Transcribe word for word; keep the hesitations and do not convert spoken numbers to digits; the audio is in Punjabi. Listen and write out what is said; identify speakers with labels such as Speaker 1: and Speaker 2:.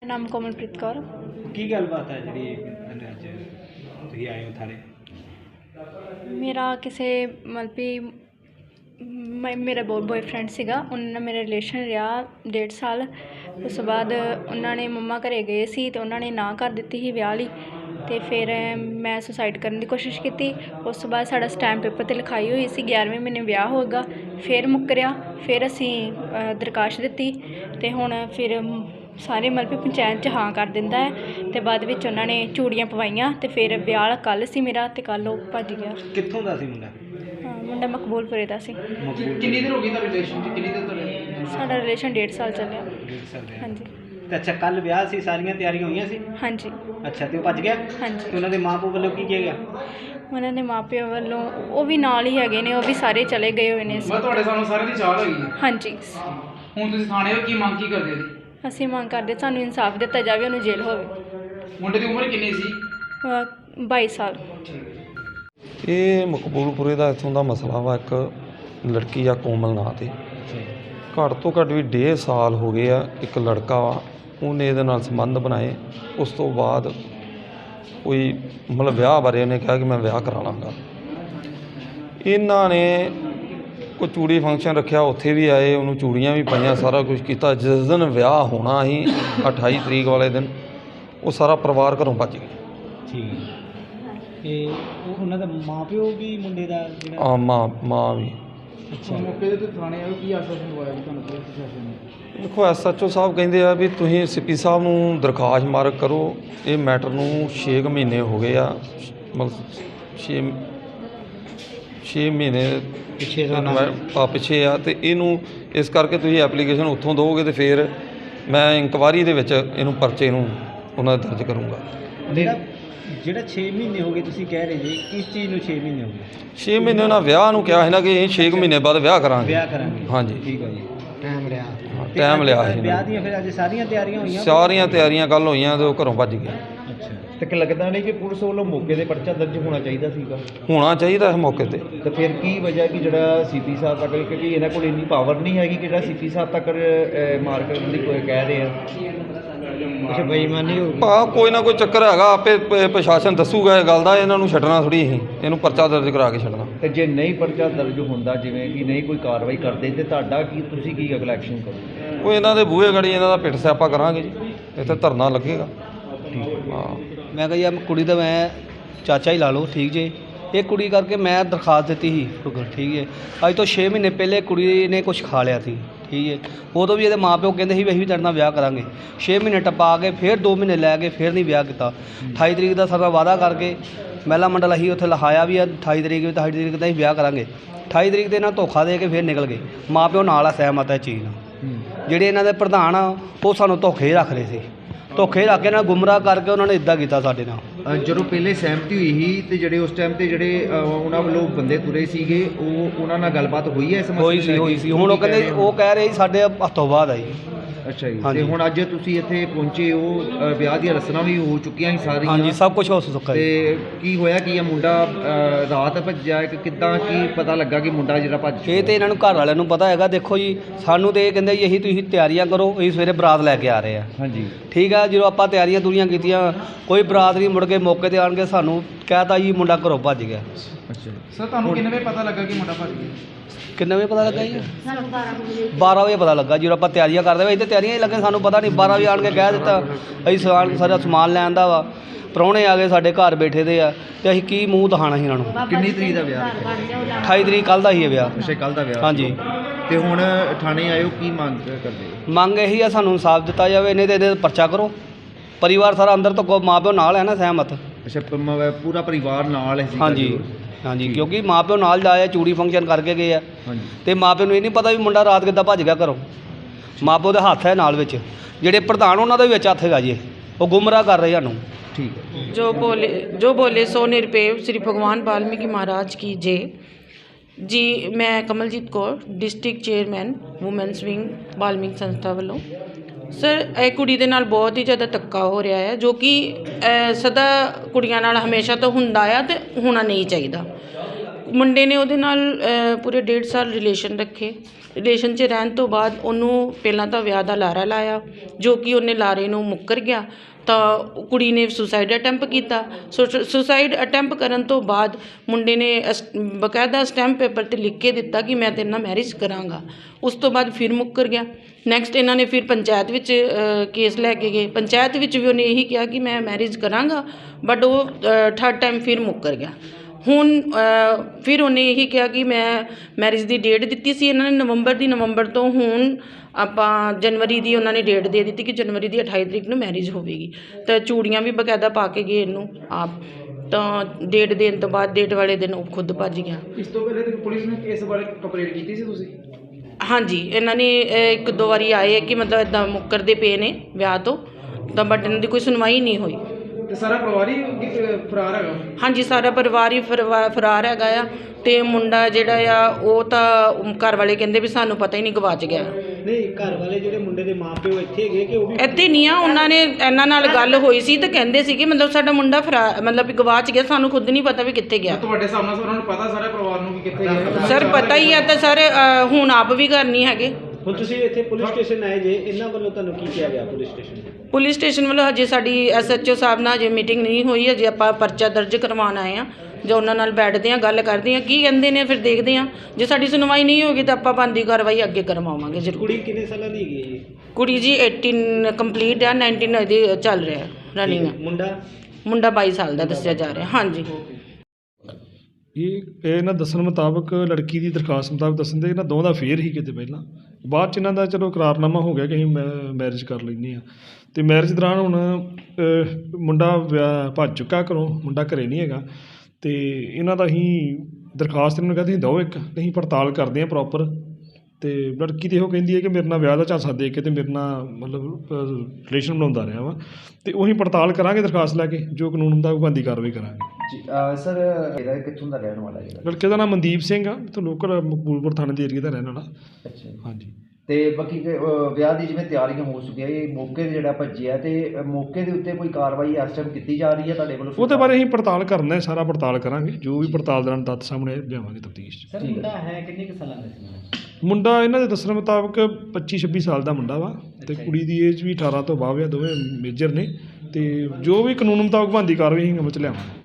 Speaker 1: ਨਾਮ ਕੋਮਲਪ੍ਰੀਤ ਕੌਰ।
Speaker 2: ਕੀ ਗੱਲਬਾਤ ਹੈ ਜਿਹੜੀ ਅੱਜ ਤੁਸੀਂ ਆਏ ਹੋ ਥਾਣੇ?
Speaker 1: ਮੇਰਾ ਕਿਸੇ ਮਤਲਬ ਵੀ ਮ- ਮੇਰਾ ਬੋ ਬੋਏਫਰੈਂਡ ਸੀਗਾ, ਉਹਨਾਂ ਨਾਲ ਮੇਰਾ ਰਿਲੇਸ਼ਨ ਰਿਹਾ ਡੇਢ ਸਾਲ। ਉਸ ਤੋਂ ਬਾਅਦ ਉਹਨਾਂ ਨੇ ਮੰਮਾ ਘਰੇ ਗਏ ਸੀ ਅਤੇ ਉਹਨਾਂ ਨੇ ਨਾ ਕਰ ਦਿੱਤੀ ਸੀ ਵਿਆਹ ਲਈ, ਅਤੇ ਫਿਰ ਮੈਂ ਸੁਸਾਈਡ ਕਰਨ ਦੀ ਕੋਸ਼ਿਸ਼ ਕੀਤੀ। ਉਸ ਤੋਂ ਬਾਅਦ ਸਾਡਾ ਸਟੈਂਪ ਪੇਪਰ 'ਤੇ ਲਿਖਾਈ ਹੋਈ ਸੀ ਗਿਆਰ੍ਹਵੇਂ ਮਹੀਨੇ ਵਿਆਹ ਹੋਏਗਾ, ਫਿਰ ਮੁੱਕਰਿਆ। ਫਿਰ ਅਸੀਂ ਅ, ਦਰਖਾਸਤ ਦਿੱਤੀ ਅਤੇ ਹੁਣ ਫਿਰ ਸਾਰੇ ਮਤਲਬ ਵੀ ਪੰਚਾਇਤ 'ਚ ਹਾਂ ਕਰ ਦਿੰਦਾ ਹੈ, ਅਤੇ ਬਾਅਦ ਵਿੱਚ ਉਹਨਾਂ ਨੇ ਚੂੜੀਆਂ ਪਵਾਈਆਂ ਅਤੇ ਫਿਰ ਵਿਆਹ ਕੱਲ੍ਹ ਸੀ ਮੇਰਾ, ਅਤੇ ਕੱਲ੍ਹ ਉਹ ਭੱਜ ਗਿਆ।
Speaker 2: ਕਿੱਥੋਂ ਦਾ ਸੀ ਮੁੰਡਾ?
Speaker 1: ਹਾਂ, ਮੁੰਡਾ ਮਕਬੂਲਪੁਰੇ ਦਾ ਸੀ।
Speaker 2: ਮਕਬੂਲ
Speaker 3: ਕਿੰਨੀ ਦੇਰ ਹੋ ਗਈ ਤੁਹਾਡੇ ਰਿਲੇਸ਼ਨ 'ਚ? ਕਿੰਨੀ ਦੇਰ ਤੁਹਾਡੇ?
Speaker 1: ਸਾਡਾ ਰਿਲੇਸ਼ਨ ਡੇਢ ਸਾਲ ਚੱਲਿਆ।
Speaker 2: ਡੇਢ ਸਾਲ ਦੇ।
Speaker 1: ਹਾਂਜੀ
Speaker 2: ਤੇ ਅੱਛਾ, ਕੱਲ ਵਿਆਹ ਸੀ, ਸਾਰੀਆਂ ਤਿਆਰੀਆਂ ਹੋਈਆਂ ਸੀ?
Speaker 1: ਹਾਂਜੀ
Speaker 2: ਅੱਛਾ, ਤੇ ਉਹ ਭੱਜ ਗਿਆ?
Speaker 1: ਹਾਂਜੀ।
Speaker 2: ਤੇ ਉਹਨਾਂ ਦੇ ਮਾਂ ਪਿਓ ਵੱਲੋਂ ਕੀ ਕਿਹਾ ਗਿਆ?
Speaker 1: ਉਹਨਾਂ ਦੇ ਮਾਪਿਆਂ ਵੱਲੋਂ ਉਹ ਵੀ ਨਾਲ ਹੀ ਹੈਗੇ ਨੇ, ਉਹ ਵੀ ਸਾਰੇ ਚਲੇ ਗਏ ਹੋਏ ਨੇ।
Speaker 3: ਮੈਂ ਤੁਹਾਡੇ ਸਾਨੂੰ ਸਾਰਿਆਂ ਦੀ ਚਾਹ ਹੈਗੀ ਹੈ।
Speaker 1: ਹਾਂਜੀ,
Speaker 3: ਹੁਣ ਤੁਸੀਂ ਥਾਣੇ ਹੋ, ਕੀ ਮੰਗ ਕੀ ਕਰਦੇ ਜੀ?
Speaker 1: ਅਸੀਂ ਮੰਗ ਕਰਦੇ ਸਾਨੂੰ ਇਨਸਾਫ ਦਿੱਤਾ ਜਾਵੇ, ਉਹਨੂੰ ਜੇਲ੍ਹ ਹੋਵੇ।
Speaker 3: ਮੁੰਡੇ ਦੀ ਉਮਰ ਕਿੰਨੀ ਸੀ?
Speaker 1: ਅਹ ਬਾਈ ਸਾਲ।
Speaker 4: ਇਹ ਮਕਬੂਲਪੁਰੇ ਦਾ ਇੱਥੋਂ ਦਾ ਮਸਲਾ ਵਾ। ਇੱਕ ਲੜਕੀ ਆ ਕੋਮਲ ਨਾਂ 'ਤੇ, ਘੱਟ ਤੋਂ ਘੱਟ ਵੀ ਡੇਢ ਸਾਲ ਹੋ ਗਏ ਆ। ਇੱਕ ਲੜਕਾ ਵਾ, ਉਹਨੇ ਇਹਦੇ ਨਾਲ ਸੰਬੰਧ ਬਣਾਏ। ਉਸ ਤੋਂ ਬਾਅਦ ਕੋਈ ਮਤਲਬ ਵਿਆਹ ਬਾਰੇ ਉਹਨੇ ਕਿਹਾ ਕਿ ਮੈਂ ਵਿਆਹ ਕਰਾ ਲਾਂਗਾ। ਇਹਨਾਂ ਨੇ ਕੋਈ ਚੂੜੀ ਫੰਕਸ਼ਨ ਰੱਖਿਆ, ਉੱਥੇ ਵੀ ਆਏ, ਉਹਨੂੰ ਚੂੜੀਆਂ ਵੀ ਪਾਈਆਂ, ਸਾਰਾ ਕੁਝ ਕੀਤਾ। ਜਿਸ ਦਿਨ ਵਿਆਹ ਹੋਣਾ ਸੀ ਅਠਾਈ ਤਰੀਕ ਵਾਲੇ ਦਿਨ, ਉਹ ਸਾਰਾ ਪਰਿਵਾਰ ਘਰੋਂ ਭੱਜ ਗਿਆ।
Speaker 2: ਠੀਕ ਹੈ। ਤੇ ਉਹ ਉਹਨਾਂ ਦਾ ਮਾਂ ਪਿਓ ਵੀ ਮੁੰਡੇ ਦਾ ਜਿਹੜਾ?
Speaker 4: ਆ ਮਾਂ ਮਾਂ ਵੀ।
Speaker 2: ਅੱਛਾ।
Speaker 3: ਮੌਕੇ 'ਤੇ ਤੁਸੀਂ ਥਾਣੇ ਆਏ, ਕੀ ਆਸ਼ਵਾਸਨ ਦਵਾਇਆ ਜੀ ਤੁਹਾਨੂੰ ਪੁਲਿਸ ਪ੍ਰਸ਼ਾਸਨ ਨੇ?
Speaker 4: ਦੇਖੋ, ਐਸ ਐਚ ਓ ਸਾਹਿਬ ਕਹਿੰਦੇ ਆ ਵੀ ਤੁਸੀਂ ਸੀ ਪੀ ਸਾਹਿਬ ਨੂੰ ਦਰਖਾਸਤ ਮਾਰਕ ਕਰੋ। ਇਹ ਮੈਟਰ ਨੂੰ ਛੇ ਕੁ ਮਹੀਨੇ ਹੋ ਗਏ ਆ, ਮਤਲਬ ਛੇ ਛੇ ਮਹੀਨੇ
Speaker 2: ਪਿੱਛੇ
Speaker 4: ਆ ਪਿੱਛੇ ਆ, ਅਤੇ ਇਹਨੂੰ ਇਸ ਕਰਕੇ ਤੁਸੀਂ ਐਪਲੀਕੇਸ਼ਨ ਉੱਥੋਂ ਦਿਓਗੇ ਅਤੇ ਫਿਰ ਮੈਂ ਇਨਕੁਆਇਰੀ ਦੇ ਵਿੱਚ ਇਹਨੂੰ ਪਰਚੇ ਨੂੰ ਉਹਨਾਂ ਦਾ ਦਰਜ ਕਰੂੰਗਾ।
Speaker 2: ਜਿਹੜਾ ਜਿਹੜਾ ਛੇ ਮਹੀਨੇ ਹੋ ਗਏ ਤੁਸੀਂ ਕਹਿ ਰਹੇ ਜੀ, ਕਿਸ ਚੀਜ਼ ਨੂੰ ਛੇ ਮਹੀਨੇ ਹੋ ਗਏ?
Speaker 4: ਛੇ ਮਹੀਨੇ ਉਹਨਾਂ ਵਿਆਹ ਨੂੰ ਕਿਹਾ ਸੀ ਨਾ ਕਿ ਅਸੀਂ ਛੇ ਕੁ ਮਹੀਨੇ ਬਾਅਦ ਵਿਆਹ ਕਰਾਂਗੇ।
Speaker 2: ਵਿਆਹ ਕਰਾਂਗੇ।
Speaker 4: ਹਾਂਜੀ,
Speaker 2: ਠੀਕ ਹੈ ਜੀ। ਟਾਈਮ ਲਿਆ।
Speaker 4: ਟਾਈਮ ਲਿਆ ਸੀ
Speaker 2: ਵਿਆਹ ਦੀਆਂ ਫਿਰ ਅੱਜ ਸਾਰੀਆਂ ਤਿਆਰੀਆਂ ਹੋਈਆਂ?
Speaker 4: ਸਾਰੀਆਂ ਤਿਆਰੀਆਂ ਕੱਲ੍ਹ ਹੋਈਆਂ ਅਤੇ ਉਹ ਘਰੋਂ ਭੱਜ ਗਿਆ।
Speaker 2: ਅੱਛਾ।
Speaker 5: ਤੇ ਕਿ ਲੱਗਦਾ ਨਹੀਂ ਕਿ ਪੁਲਿਸ ਵੱਲੋਂ ਮੌਕੇ ਦੇ ਪਰਚਾ ਦਰਜ ਹੋਣਾ ਚਾਹੀਦਾ ਸੀਗਾ?
Speaker 4: ਹੋਣਾ ਚਾਹੀਦਾ ਇਸ ਮੌਕੇ 'ਤੇ।
Speaker 5: ਤੇ ਫਿਰ ਕੀ ਵਜ੍ਹਾ ਕਿ ਜਿਹੜਾ ਸੀਪੀ ਸਾਹਿਬ ਤੱਕ, ਕਿਉਂਕਿ ਇਹਨਾਂ ਕੋਲ ਇੰਨੀ ਪਾਵਰ ਨਹੀਂ ਹੈਗੀ ਕਿ ਜਿਹੜਾ ਸੀਪੀ ਸਾਹਿਬ ਤੱਕ ਮਾਰ ਕਰਨ ਦੀ ਕੋਈ ਕਹਿ ਰਹੇ ਆ? ਅੱਛਾ, ਬੇਈਮਾਨੀ ਹੋ ਗਈ।
Speaker 4: ਭਾ ਕੋਈ ਨਾ ਕੋਈ ਚੱਕਰ ਹੈਗਾ, ਆਪੇ ਪ- ਪ੍ਰਸ਼ਾਸਨ ਦੱਸੂਗਾ ਇਹ ਗੱਲ ਦਾ। ਇਹਨਾਂ ਨੂੰ ਛੱਡਣਾ ਥੋੜ੍ਹੀ ਅਸੀਂ, ਇਹਨੂੰ ਪਰਚਾ ਦਰਜ ਕਰਾ ਕੇ ਛੱਡਣਾ।
Speaker 5: ਤੇ ਜੇ ਨਹੀਂ ਪਰਚਾ ਦਰਜ ਹੁੰਦਾ, ਜਿਵੇਂ ਕਿ ਨਹੀਂ ਕੋਈ ਕਾਰਵਾਈ ਕਰਦੇ, ਤੇ ਤੁਹਾਡਾ ਕੀ, ਤੁਸੀਂ ਕੀ ਅਗਲਾ ਐਕਸ਼ਨ ਕਰੋਗੇ?
Speaker 4: ਉਹ ਇਹਨਾਂ ਦੇ ਬੂਹੇ ਗੜੀ ਇਹਨਾਂ ਦਾ ਪਿੱਟ ਸਿਆਪਾ ਕਰਾਂਗੇ ਜੀ, ਇੱਥੇ ਧਰਨਾ ਲੱਗੇਗਾ। ਹਾਂ,
Speaker 6: ਮੈਂ ਕਿਹਾ ਯਾਰ ਕੁੜੀ ਦਾ ਮੈਂ ਚਾਚਾ ਹੀ ਲਾ ਲਓ, ਠੀਕ ਜੇ। ਇਹ ਕੁੜੀ ਕਰਕੇ ਮੈਂ ਦਰਖਾਸਤ ਦਿੱਤੀ ਸੀ ਸ਼ੁਕਰ, ਠੀਕ ਹੈ। ਅੱਜ ਤੋਂ ਛੇ ਮਹੀਨੇ ਪਹਿਲੇ ਕੁੜੀ ਨੇ ਕੁਝ ਖਾ ਲਿਆ ਸੀ, ਠੀਕ ਹੈ। ਉਦੋਂ ਵੀ ਇਹਦੇ ਮਾਂ ਪਿਓ ਕਹਿੰਦੇ ਸੀ ਵੀ ਅਸੀਂ ਵੀ ਤੇਰੇ ਨਾਲ ਵਿਆਹ ਕਰਾਂਗੇ। ਛੇ ਮਹੀਨੇ ਟਪਾ ਕੇ ਫਿਰ ਦੋ ਮਹੀਨੇ ਲੈ ਕੇ ਫਿਰ ਨਹੀਂ ਵਿਆਹ ਕੀਤਾ। ਅਠਾਈ ਤਰੀਕ ਦਾ ਸਾਡਾ ਵਾਅਦਾ ਕਰਕੇ ਮਹਿਲਾ ਮੰਡਲ ਅਸੀਂ ਉੱਥੇ ਲਿਖਾਇਆ ਵੀ ਆ, ਅਠਾਈ ਤਰੀਕ ਵੀ ਅਠਾਈ ਤਰੀਕ ਦਾ ਹੀ ਵਿਆਹ ਕਰਾਂਗੇ। ਅਠਾਈ ਤਰੀਕ ਦੇ ਨਾਲ ਧੋਖਾ ਦੇ ਕੇ ਫਿਰ ਨਿਕਲ ਗਏ। ਮਾਂ ਪਿਓ ਨਾਲ ਆ ਸਹਿਮਤ ਹੈ ਚੀਜ਼ ਨਾਲ। ਜਿਹੜੇ ਇਹਨਾਂ ਦੇ ਪ੍ਰਧਾਨ ਆ ਉਹ ਸਾਨੂੰ ਧੋਖੇ ਹੀ ਰੱਖ ਰਹੇ ਸੀ, ਧੋਖੇ ਰੱਖ ਕੇ ਨਾਲ ਗੁੰਮਰਾਹ ਕਰਕੇ ਉਹਨਾਂ ਨੇ ਇੱਦਾਂ ਕੀਤਾ ਸਾਡੇ ਨਾਲ।
Speaker 5: ਅ, ਜਦੋਂ ਪਹਿਲੇ ਸਹਿਮਤੀ ਹੋਈ ਸੀ, ਤੇ ਜਿਹੜੇ ਉਸ ਟਾਈਮ ਤੇ ਜਿਹੜੇ ਅ, ਉਹਨਾਂ ਵੱਲੋਂ ਬੰਦੇ ਤੁਰੇ ਸੀਗੇ, ਉਹ ਉਹਨਾਂ ਨਾਲ ਗੱਲਬਾਤ ਹੋਈ ਹੈ ਇਸ ਮਸਲੇ
Speaker 6: ਹੋਈ ਸੀ ਹੋਈ ਸੀ ਹੁਣ ਉਹ ਕਹਿੰਦੇ ਉਹ ਕਹਿ ਰਹੇ ਸੀ ਸਾਡੇ ਹੱਥੋਂ ਬਾਅਦ ਆਈ।
Speaker 5: ਅੱਛਾ ਜੀ।
Speaker 6: ਹਾਂਜੀ।
Speaker 5: ਤੇ ਹੁਣ ਅੱਜ ਤੁਸੀਂ ਇੱਥੇ ਪਹੁੰਚੇ ਹੋ, ਅ, ਵਿਆਹ ਦੀਆਂ ਰਸਮਾਂ ਵੀ ਹੋ ਚੁੱਕੀਆਂ ਸੀ ਸਾਰੀਆਂ?
Speaker 6: ਹਾਂਜੀ, ਸਭ ਕੁਝ ਹੋ ਚੁੱਕਾ ਜੀ।
Speaker 5: ਤੇ ਕੀ ਹੋਇਆ ਕੀ ਆ? ਮੁੰਡਾ ਅ, ਰਾਤ ਭੱਜਿਆ ਕਿ ਕਿੱਦਾਂ, ਕੀ ਪਤਾ ਲੱਗਾ ਕਿ ਮੁੰਡਾ ਜਿਹੜਾ ਭੱਜ
Speaker 6: ਇਹ ਤੇ ਇਹਨਾਂ ਨੂੰ ਘਰ ਵਾਲਿਆਂ ਨੂੰ ਪਤਾ ਹੈਗਾ। ਦੇਖੋ ਜੀ, ਸਾਨੂੰ ਤੇ ਇਹ ਕਹਿੰਦੇ ਜੀ ਅਸੀਂ ਤੁਸੀਂ ਤਿਆਰੀਆਂ ਕਰੋ, ਅਸੀਂ ਸਵੇਰੇ ਬਰਾਤ ਲੈ ਕੇ ਆ ਰਹੇ ਆ।
Speaker 5: ਹਾਂਜੀ।
Speaker 6: ਠੀਕ ਆ, ਜਦੋਂ ਆਪਾਂ ਤਿਆਰੀਆਂ ਤੁਰੀਆਂ ਕੀਤੀਆਂ, ਕੋਈ ਬਰਾਤ ਨਹੀਂ, ਮੁੜ ਕੇ ਮੌਕੇ ਤੇ ਆਣ ਕੇ ਸਾਨੂੰ ਕਹਿਤਾ ਜੀ ਮੁੰਡਾ ਘਰੋਂ ਭੱਜ ਗਿਆ।
Speaker 5: ਅੱਛਾ।
Speaker 3: ਸਰ, ਤੁਹਾਨੂੰ ਕਿੰਨੇ ਵਜੇ ਪਤਾ ਲੱਗਾ ਕਿ ਮੁੰਡਾ ਭੱਜ ਗਿਆ?
Speaker 6: ਕਿੰਨੇ ਵਜੇ ਪਤਾ ਲੱਗਾ ਜੀ? ਬਾਰਾਂ ਵਜੇ ਪਤਾ ਲੱਗਾ। ਜਦੋਂ ਆਪਾਂ ਤਿਆਰੀਆਂ ਕਰਦੇ ਵੇ, ਇੱਥੇ ਤਿਆਰੀਆਂ ਹੀ ਲੱਗੇ, ਸਾਨੂੰ ਪਤਾ ਨਹੀਂ। ਬਾਰਾਂ ਵਜੇ ਆਣ ਕੇ ਕਹਿ ਦਿੱਤਾ ਅਸੀਂ ਸਮਾਨ ਸਾਰਾ ਸਮਾਨ ਲੈਣ ਦਾ ਵਾ। ਪ੍ਰਾਹੁਣੇ ਆ ਗਏ ਸਾਡੇ ਘਰ ਬੈਠੇ ਦੇ ਆ, ਤੇ ਅਸੀਂ ਕੀ ਮੂੰਹ ਦਿਖਾਣਾ ਸੀ ਇਹਨਾਂ ਨੂੰ?
Speaker 5: ਕਿੰਨੀ ਤਰੀਕ ਦਾ ਵਿਆਹ ਰੱਖਿਆ?
Speaker 6: ਅਠਾਈ ਤਰੀਕ ਕੱਲ੍ਹ ਦਾ ਹੀ ਹੈ ਵਿਆਹ।
Speaker 5: ਅੱਛਾ, ਕੱਲ੍ਹ ਦਾ ਵਿਆਹ।
Speaker 6: ਹਾਂਜੀ।
Speaker 5: ਤੇ ਹੁਣ ਥਾਣੇ ਆਇਓ, ਕੀ ਮੰਗ ਕਰਦੇ ਹੋ?
Speaker 6: ਮੰਗ ਇਹੀ ਆ ਸਾਨੂੰ ਇਨਸਾਫ ਦਿੱਤਾ ਜਾਵੇ, ਨਹੀਂ ਤੇ ਇਹਦੇ ਪਰਚਾ ਕਰੋ। ਪਰਿਵਾਰ ਸਾਰਾ ਅੰਦਰ ਤੋਂ ਮਾਂ ਪਿਓ ਨਾਲ ਹੈ ਨਾ ਸਹਿਮਤ?
Speaker 5: ਅੱਛਾ, ਪ- ਮ- ਪੂਰਾ ਪਰਿਵਾਰ ਨਾਲ ਹੈ ਸੀ?
Speaker 6: ਹਾਂਜੀ ਹਾਂਜੀ, ਕਿਉਂਕਿ ਮਾਂ ਪਿਓ ਨਾਲ ਜਾਏ, ਚੂੜੀ ਫੰਕਸ਼ਨ ਕਰਕੇ ਗਏ ਆ,
Speaker 5: ਹਾਂਜੀ।
Speaker 6: ਤੇ ਮਾਂ ਪਿਓ ਨੂੰ ਇਹ ਨਹੀਂ ਪਤਾ ਵੀ ਮੁੰਡਾ ਰਾਤ ਕਿੱਦਾਂ ਭੱਜ ਗਿਆ ਘਰੋਂ। ਮਾਂ ਪਿਓ ਦੇ ਹੱਥ ਹੈ ਨਾਲ ਵਿੱਚ, ਜਿਹੜੇ ਪ੍ਰਧਾਨ ਉਹਨਾਂ ਦਾ ਵੀ ਵਿੱਚ ਹੱਥ ਹੈਗਾ ਜੀ। ਉਹ ਗੁੰਮਰਾਹ ਕਰ ਰਹੇ ਸਾਨੂੰ।
Speaker 5: ठीक है।
Speaker 7: जो बोले जो बोले सो निरपेव श्री भगवान वाल्मीकि महाराज की जय जी। मैं Kamaljeet Kaur, district chairman women's wing Valmiki संस्था वालों। सर, ਇਹ ਕੁੜੀ ਦੇ ਨਾਲ ਬਹੁਤ ਹੀ ਜ਼ਿਆਦਾ ਧੱਕਾ ਹੋ ਰਿਹਾ ਹੈ, ਜੋ ਕਿ ਸਦਾ ਕੁੜੀਆਂ ਨਾਲ ਹਮੇਸ਼ਾ ਤੋਂ ਹੁੰਦਾ ਆ ਤੇ ਹੋਣਾ ਨਹੀਂ ਚਾਹੀਦਾ। ਮੁੰਡੇ ਨੇ ਉਹਦੇ ਨਾਲ ਅ, ਪੂਰੇ ਡੇਢ ਸਾਲ ਰਿਲੇਸ਼ਨ ਰੱਖੇ। ਰਿਲੇਸ਼ਨ 'ਚ ਰਹਿਣ ਤੋਂ ਬਾਅਦ ਉਹਨੂੰ ਪਹਿਲਾਂ ਤਾਂ ਵਿਆਹ ਦਾ ਲਾਰਾ ਲਾਇਆ, ਜੋ ਕਿ ਉਹਨੇ ਲਾਰੇ ਨੂੰ ਮੁੱਕਰ ਗਿਆ। ਤਾਂ ਕੁੜੀ ਨੇ ਸੁਸਾਈਡ ਅਟੈਂਪ ਕੀਤਾ। ਸੁਸਾਈਡ ਅਟੈਂਪ ਕਰਨ ਤੋਂ ਬਾਅਦ ਮੁੰਡੇ ਨੇ ਅਸ ਬਕਾਇਦਾ ਸਟੈਂਪ ਪੇਪਰ 'ਤੇ ਲਿਖ ਕੇ ਦਿੱਤਾ ਕਿ ਮੈਂ ਤੇਰੇ ਨਾਲ ਮੈਰਿਜ ਕਰਾਂਗਾ। ਉਸ ਤੋਂ ਬਾਅਦ ਫਿਰ ਮੁੱਕਰ ਗਿਆ। ਨੈਕਸਟ ਇਹਨਾਂ ਨੇ ਫਿਰ ਪੰਚਾਇਤ ਵਿੱਚ ਕੇਸ ਲੈ ਕੇ ਗਏ। ਪੰਚਾਇਤ ਵਿੱਚ ਵੀ ਉਹਨੇ ਇਹੀ ਕਿਹਾ ਕਿ ਮੈਂ ਮੈਰਿਜ ਕਰਾਂਗਾ, ਬਟ ਉਹ ਥਰਡ ਟਾਈਮ ਫਿਰ ਮੁੱਕਰ ਗਿਆ। ਹੁਣ ਫਿਰ ਉਹਨੇ ਇਹੀ ਕਿਹਾ ਕਿ ਮੈਂ ਮੈਰਿਜ ਦੀ ਡੇਟ ਦਿੱਤੀ ਸੀ ਇਹਨਾਂ ਨੇ ਨਵੰਬਰ ਦੀ, ਨਵੰਬਰ ਤੋਂ ਹੁਣ ਆਪਾਂ ਜਨਵਰੀ ਦੀ ਉਹਨਾਂ ਨੇ ਡੇਟ ਦੇ ਦਿੱਤੀ ਕਿ ਜਨਵਰੀ ਦੀ ਅਠਾਈ ਤਰੀਕ ਨੂੰ ਮੈਰਿਜ ਹੋਵੇਗੀ। ਤਾਂ ਚੂੜੀਆਂ ਵੀ ਬਕਾਇਦਾ ਪਾ ਕੇ ਗਏ ਇਹਨੂੰ ਆਪ। ਤਾਂ ਡੇਟ ਦੇਣ ਤੋਂ ਬਾਅਦ ਡੇਟ ਵਾਲੇ ਦਿਨ ਉਹ ਖੁਦ ਭੱਜ ਗਿਆ।
Speaker 3: ਇਸ ਤੋਂ ਪਹਿਲੇ ਤੇ ਪੁਲਿਸ ਨੇ ਇਸ ਬਾਰੇ ਕੰਪਲੇਂਟ ਕੀਤੀ ਸੀ ਤੁਸੀਂ?
Speaker 7: ਹਾਂਜੀ, ਇਹਨਾਂ ਨੇ ਅ, ਇੱਕ ਦੋ ਵਾਰੀ ਆਏ ਕਿ ਮਤਲਬ ਇੱਦਾਂ ਮੁੱਕਰਦੇ ਪਏ ਨੇ ਵਿਆਹ ਤੋਂ, ਤਾਂ ਬਟ ਇਹਨਾਂ ਦੀ ਕੋਈ ਸੁਣਵਾਈ ਨਹੀਂ ਹੋਈ।
Speaker 3: ਤੇ ਸਾਰਾ ਪਰਿਵਾਰ ਹੀ ਕਿ- ਫਰਾਰ ਹੈਗਾ?
Speaker 7: ਹਾਂਜੀ, ਸਾਰਾ ਪਰਿਵਾਰ ਹੀ ਫਰਵਾ- ਫਰਾਰ ਹੈਗਾ ਆ। ਤੇ ਮੁੰਡਾ ਜਿਹੜਾ ਆ ਉਹ ਤਾਂ ਘਰ ਵਾਲੇ ਕਹਿੰਦੇ ਵੀ ਸਾਨੂੰ ਪਤਾ ਹੀ ਨਹੀਂ, ਗਵਾਚ ਗਿਆ।
Speaker 2: ਨਹੀਂ, ਘਰ ਵਾਲੇ ਜਿਹੜੇ ਮੁੰਡੇ ਦੇ ਮਾਪਿਓ ਇੱਥੇ ਹੈਗੇ ਕਿ ਉਹ ਵੀ
Speaker 7: ਇੱਥੇ ਨਹੀਂ ਆ, ਉਹਨਾਂ ਨੇ ਇਹਨਾਂ ਨਾਲ ਗੱਲ ਹੋਈ ਸੀ ਤਾਂ ਕਹਿੰਦੇ ਸੀ ਕਿ ਮਤਲਬ ਸਾਡਾ ਮੁੰਡਾ ਫਰਾ ਮਤਲਬ ਵੀ ਗਵਾਚ ਗਿਆ, ਸਾਨੂੰ ਖੁਦ ਨਹੀਂ ਪਤਾ ਵੀ ਕਿੱਥੇ ਗਿਆ।
Speaker 3: ਤੁਹਾਡੇ ਸਾਹਮਣੇ ਉਹਨਾਂ ਨੂੰ ਪਤਾ ਸਾਰੇ ਪਰਿਵਾਰ ਨੂੰ ਕਿ ਕਿੱਥੇ ਗਿਆ?
Speaker 7: ਸਰ ਪਤਾ ਹੀ ਆ, ਤਾਂ ਸਰ ਅ, ਹੁਣ ਆਪ ਵੀ ਘਰ ਨਹੀਂ ਹੈਗੇ।
Speaker 2: ਹੁਣ ਤੁਸੀਂ ਇੱਥੇ ਪੁਲਿਸ ਸਟੇਸ਼ਨ ਆਏ ਜੇ, ਇਹਨਾਂ ਵੱਲੋਂ ਤੁਹਾਨੂੰ ਕੀ ਕਿਹਾ ਗਿਆ ਪੁਲਿਸ ਸਟੇਸ਼ਨ?
Speaker 7: ਪੁਲਿਸ ਸਟੇਸ਼ਨ ਵੱਲੋਂ ਹਜੇ ਸਾਡੀ ਐਸ ਐਚ ਓ ਸਾਹਿਬ ਨਾਲ ਹਜੇ ਮੀਟਿੰਗ ਨਹੀਂ ਹੋਈ। ਹਜੇ ਆਪਾਂ ਪਰਚਾ ਦਰਜ ਕਰਵਾਉਣ ਆਏ ਹਾਂ, ਜੋ ਉਹਨਾਂ ਨਾਲ ਬੈਠਦੇ ਹਾਂ, ਗੱਲ ਕਰਦੇ ਹਾਂ, ਕੀ ਕਹਿੰਦੇ ਨੇ ਫਿਰ ਦੇਖਦੇ ਹਾਂ। ਜੇ ਸਾਡੀ ਸੁਣਵਾਈ ਨਹੀਂ ਹੋਗੀ ਤਾਂ ਆਪਾਂ ਬਣਦੀ ਕਾਰਵਾਈ ਅੱਗੇ ਕਰਵਾਵਾਂਗੇ ਜ਼ਰੂਰ।
Speaker 2: ਕੁੜੀ ਕਿੰਨੇ ਸਾਲਾਂ ਦੀ ਹੈਗੀ ਹੈ ਜੀ?
Speaker 7: ਕੁੜੀ ਜੀ ਅਠਾਰਾਂ ਕੰਪਲੀਟ ਆ, ਉੱਨੀ ਇਹਦੀ ਚੱਲ ਰਿਹਾ ਰਨਿੰਗ ਆ।
Speaker 2: ਮੁੰਡਾ?
Speaker 7: ਮੁੰਡਾ ਬਾਈ ਸਾਲ ਦਾ ਦੱਸਿਆ ਜਾ ਰਿਹਾ। ਹਾਂਜੀ,
Speaker 8: ਇਹ ਇਹ ਇਹਨਾਂ ਦੱਸਣ ਮੁਤਾਬਕ ਲੜਕੀ ਦੀ ਦਰਖਾਸਤ ਮੁਤਾਬਕ ਦੱਸਣ ਦੇ ਇਹਨਾਂ ਦੋਵਾਂ ਦਾ ਫੇਰ ਹੀ ਕਿਤੇ ਪਹਿਲਾਂ, ਬਾਅਦ 'ਚ ਇਹਨਾਂ ਦਾ ਚਲੋ ਇਕਰਾਰਨਾਮਾ ਹੋ ਗਿਆ ਕਿ ਅਸੀਂ ਮੈ ਮੈਰਿਜ ਕਰ ਲੈਂਦੇ ਹਾਂ। ਅਤੇ ਮੈਰਿਜ ਦੌਰਾਨ ਹੁਣ ਅ, ਮੁੰਡਾ ਵਿਆਹ ਭੱਜ ਚੁੱਕਾ ਘਰੋਂ, ਮੁੰਡਾ ਘਰੇ ਨਹੀਂ ਹੈਗਾ। ਅਤੇ ਇਹਨਾਂ ਦਾ ਅਸੀਂ ਦਰਖਾਸਤ ਇਹਨਾਂ ਨੂੰ ਕਹਿੰਦੇ ਦਿਓ ਇੱਕ, ਅਸੀਂ ਪੜਤਾਲ ਕਰਦੇ ਹਾਂ ਪ੍ਰੋਪਰ। ਅਤੇ ਲੜਕੀ ਤਾਂ ਇਹੋ ਕਹਿੰਦੀ ਹੈ ਕਿ ਮੇਰੇ ਨਾਲ ਵਿਆਹ ਦਾ ਝਾਂਸਾ ਦੇ ਕੇ ਅਤੇ ਮੇਰੇ ਨਾਲ ਮਤਲਬ ਰਿਲੇਸ਼ਨ ਬਣਾਉਂਦਾ ਰਿਹਾ ਵਾ। ਅਤੇ ਉਹੀ ਪੜਤਾਲ ਕਰਾਂਗੇ ਦਰਖਾਸਤ ਲੈ ਕੇ, ਜੋ ਕਾਨੂੰਨ ਹੁੰਦਾ ਉਹ ਬਣਦੀ ਕਾਰਵਾਈ ਕਰਾਂਗੇ।
Speaker 5: ਜੀ ਸਰ, ਇਹਦਾ ਕਿੱਥੋਂ ਦਾ ਰਹਿਣ ਵਾਲਾ ਜਿਹੜਾ?
Speaker 8: ਲੜਕੇ ਦਾ ਨਾਮ ਮਨਦੀਪ ਸਿੰਘ ਆ, ਇੱਥੋਂ ਲੋਕਲ ਮਕਬੂਲਪੁਰ ਥਾਣੇ ਦੇ ਏਰੀਏ ਦਾ ਰਹਿਣ ਵਾਲਾ।
Speaker 5: ਅੱਛਾ ਜੀ।
Speaker 8: ਹਾਂਜੀ।
Speaker 5: ਤੇ ਬਾਕੀ ਕਿ, ਅ, ਵਿਆਹ ਦੀ ਜਿਵੇਂ ਤਿਆਰੀਆਂ ਹੋ ਚੁੱਕੀਆਂ, ਇਹ ਮੌਕੇ 'ਤੇ ਜਿਹੜਾ ਭੱਜਿਆ ਤੇ ਅ, ਮੌਕੇ ਦੇ ਉੱਤੇ ਕੋਈ ਕਾਰਵਾਈ ਇਸ ਟਾਈਮ ਕੀਤੀ ਜਾ ਰਹੀ ਹੈ ਤੁਹਾਡੇ ਵੱਲੋਂ?
Speaker 8: ਉਹਦੇ ਬਾਰੇ ਅਸੀਂ ਪੜਤਾਲ ਕਰਨਾ ਹੈ, ਸਾਰਾ ਪੜਤਾਲ ਕਰਾਂਗੇ, ਜੋ ਵੀ ਪੜਤਾਲ ਦੌਰਾਨ ਤੱਥ ਸਾਹਮਣੇ ਲਿਆਵਾਂਗੇ ਤਫਤੀਸ਼ 'ਚ।
Speaker 2: ਸਰ ਮੁੰਡਾ ਹੈ ਕਿੰਨੇ ਕੁ ਸਾਲਾਂ ਦਾ ਸੀ?
Speaker 8: ਮੁੰਡਾ ਇਹਨਾਂ ਦੇ ਦੱਸਣ ਮੁਤਾਬਕ ਪੱਚੀ ਛੱਬੀ ਸਾਲ ਦਾ ਮੁੰਡਾ ਵਾ, ਅਤੇ ਕੁੜੀ ਦੀ ਏਜ ਵੀ ਅਠਾਰਾਂ ਤੋਂ ਬਾਅਦ ਆ, ਦੋਵੇਂ ਮੇਜਰ ਨੇ। ਅਤੇ ਜੋ ਵੀ ਕਾਨੂੰਨ ਮੁਤਾਬਕ ਬਣਦੀ ਕਾਰਵਾਈ ਅਸੀਂ ਅਮਲ 'ਚ ਲਿਆਵਾਂਗੇ।